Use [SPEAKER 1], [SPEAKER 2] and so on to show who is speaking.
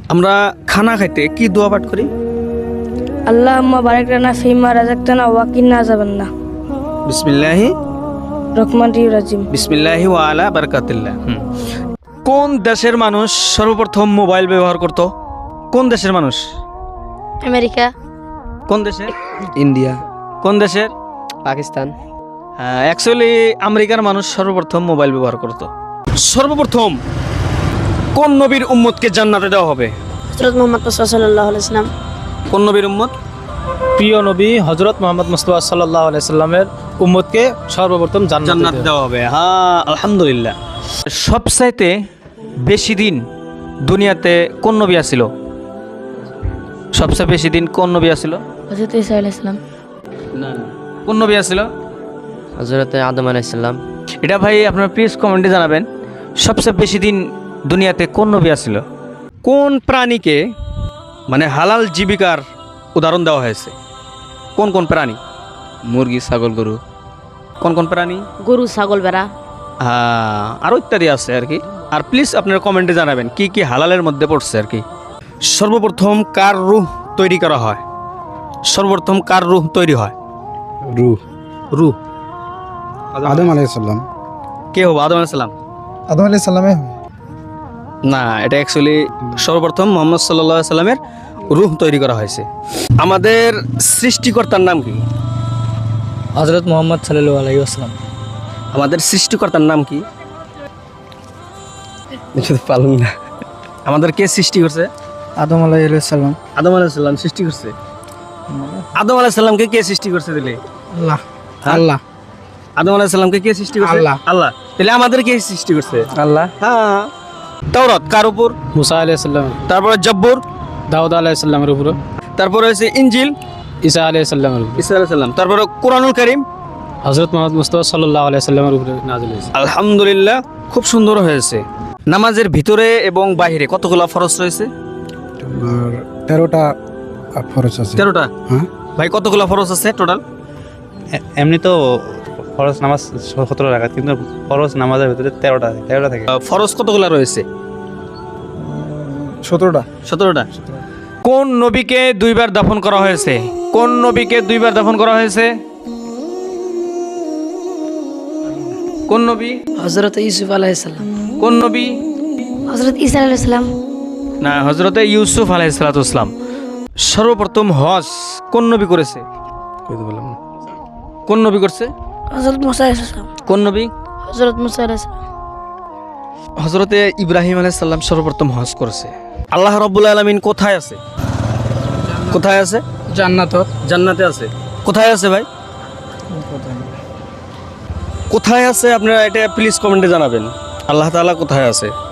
[SPEAKER 1] আমরা খানা খাইতে কি দোয়া পাঠ করি?
[SPEAKER 2] আল্লাহুম্মা বারিক লানা ফিমা রাযাকতানা ওয়া কিন্না আযাবান্না।
[SPEAKER 1] বিসমিল্লাহি
[SPEAKER 2] রহমানির রাহিম।
[SPEAKER 1] বিসমিল্লাহি ওয়া আলা বারাকাতিল্লাহ। কোন দেশের মানুষ সর্বপ্রথম মোবাইল ব্যবহার করত? কোন দেশের মানুষ?
[SPEAKER 3] আমেরিকা।
[SPEAKER 1] কোন দেশের?
[SPEAKER 4] ইন্ডিয়া।
[SPEAKER 1] কোন দেশের?
[SPEAKER 4] পাকিস্তান।
[SPEAKER 1] অ্যাকচুয়ালি আমেরিকার মানুষ সর্বপ্রথম মোবাইল ব্যবহার করত। সর্বপ্রথম কোন নবীর উম্মতকে জান্নাতে দেওয়া হবে?
[SPEAKER 3] হযরত মুহাম্মদ সাল্লাল্লাহু আলাইহি ওয়াসাল্লাম।
[SPEAKER 1] কোন নবীর উম্মত?
[SPEAKER 5] প্রিয় নবী হযরত মুহাম্মদ মুস্তাফা সাল্লাল্লাহু আলাইহি সাল্লামের উম্মতকে সর্বপ্রথম
[SPEAKER 1] জান্নাত দেওয়া হবে। হ্যাঁ, আলহামদুলিল্লাহ। সবচাইতে বেশি দিন দুনিয়াতে কোন নবী আসিল? সবচেয়ে বেশি দিন কোন নবী আসিল?
[SPEAKER 3] হযরত ঈসা আলাইহিস সালাম।
[SPEAKER 1] না, কোন নবী আসিল?
[SPEAKER 4] হযরত আদম আলাইহিস সালাম।
[SPEAKER 1] এটা ভাই আপনারা প্লিজ কমেন্টে জানাবেন, সবচেয়ে বেশি দিন দুনিয়াতে কোন নবী আসিল? কোন প্রাণীকে মানে হালাল জীবিকার উদাহরণ দেওয়া হয়েছে? কোন কোন প্রাণী?
[SPEAKER 4] মুরগি, ছাগল, গরু।
[SPEAKER 1] কোন কোন প্রাণী?
[SPEAKER 3] গরু, ছাগল, ভেড়া।
[SPEAKER 1] হ্যাঁ, আরও ইত্যাদি আছে আর কি। আর প্লিজ আপনারা কমেন্টে জানাবেন কি কি হালালের মধ্যে পড়ছে আর কি। সর্বপ্রথম কার রূহ তৈরি করা হয়? সর্বপ্রথম কার রূহ তৈরি হয়?
[SPEAKER 6] রূহ
[SPEAKER 1] রূহ
[SPEAKER 6] আদম আলাইহিস সালাম।
[SPEAKER 1] কে হবে? আদম আলাইহিস সালাম?
[SPEAKER 6] আদম আলাইহিস সালামে
[SPEAKER 1] না, এটা অ্যাকচুয়ালি সর্বপ্রথম মুহাম্মদ সাল্লাল্লাহু আলাইহি সাল্লামের রূহ তৈরি করা হয়েছে। আমাদের সৃষ্টিকর্তার নাম কি?
[SPEAKER 5] হযরত মুহাম্মদ সাল্লাল্লাহু আলাইহি ওয়াসাল্লাম।
[SPEAKER 1] আমাদের সৃষ্টিকর্তার নাম কি?
[SPEAKER 4] পালুন না।
[SPEAKER 1] আমাদের কে সৃষ্টি করছে?
[SPEAKER 6] আদম আলাইহিস সালাম।
[SPEAKER 1] আদম আলাইহিস সালাম সৃষ্টি করছে। আদম আলাইহিস সালামকে কে সৃষ্টি করছে দিলে?
[SPEAKER 6] আল্লাহ।
[SPEAKER 1] হ্যাঁ?
[SPEAKER 6] আল্লাহ।
[SPEAKER 1] আদম আলাইহিস সালামকে কে সৃষ্টি করছে?
[SPEAKER 6] আল্লাহ।
[SPEAKER 1] আল্লাহ। তাহলে আমাদের কে সৃষ্টি করছে?
[SPEAKER 4] আল্লাহ।
[SPEAKER 1] হ্যাঁ। তাওরাত কার উপর?
[SPEAKER 5] মুসা আলাইহিস সালাম।
[SPEAKER 1] তারপরে জব্বুর,
[SPEAKER 5] দাউদ আলাইহিস সালামের উপর।
[SPEAKER 1] তারপরে হচ্ছে ইনজিল,
[SPEAKER 5] ঈসা আলাইহিস সালামের উপর।
[SPEAKER 1] ঈসা আলাইহিস সালাম, তারপরে কোরআনুল কারীম।
[SPEAKER 5] হযরত মুহাম্মদ মুস্তাফা সাল্লাল্লাহু আলাইহি সাল্লামের উপরে নাযিল হয়েছে।
[SPEAKER 1] আলহামদুলিল্লাহ, খুব সুন্দর হয়েছে। নামাজের ভিতরে এবং বাইরে কতগুলো ফরজ রয়েছে?
[SPEAKER 6] আর 13টা ফরজ আছে।
[SPEAKER 1] 13টা।
[SPEAKER 6] হ্যাঁ।
[SPEAKER 1] ভাই কতগুলো ফরজ আছে টোটাল?
[SPEAKER 7] এমনি তো ফরজ নামাজ 17 রাকাত, কিন্তু ফরজ নামাজের ভিতরে 13টা থাকে।
[SPEAKER 1] ফরজ কতগুলো রয়েছে?
[SPEAKER 6] 17টা।
[SPEAKER 1] 17টা। কোন নবীকে দুইবার দাফন করা হয়েছে? কোন নবীকে দুইবার দাফন করা হয়েছে? কোন নবী?
[SPEAKER 2] হযরত ইউসুফ আলাইহিস সালাম।
[SPEAKER 1] কোন নবী?
[SPEAKER 3] হযরত ঈসা আলাইহিস সালাম।
[SPEAKER 1] না, হযরতে ইউসুফ আলাইহিস সালাতু ওয়াসসালাম। সর্বপ্রথম হজ কোন নবী করেছে? কোন নবী করছে?
[SPEAKER 2] হযরত মুসা আলাইহিস সালাম।
[SPEAKER 1] কোন নবী?
[SPEAKER 3] হযরত মুসা আলাইহিস সালাম।
[SPEAKER 1] হযরতে ইব্রাহিম আলাইহিস সালাম সর্বপ্রথম হজ করেছে। আল্লাহ রাব্বুল আলামিন কোথায় আছে? কোথায় আছে?
[SPEAKER 6] জান্নাত।
[SPEAKER 1] জান্নাতে আছে। কোথায় আছে ভাই? কোথায় আছে আপনারা এটা প্লিজ কমেন্টে জানাবেন। আল্লাহ তাআলা কোথায় আছে?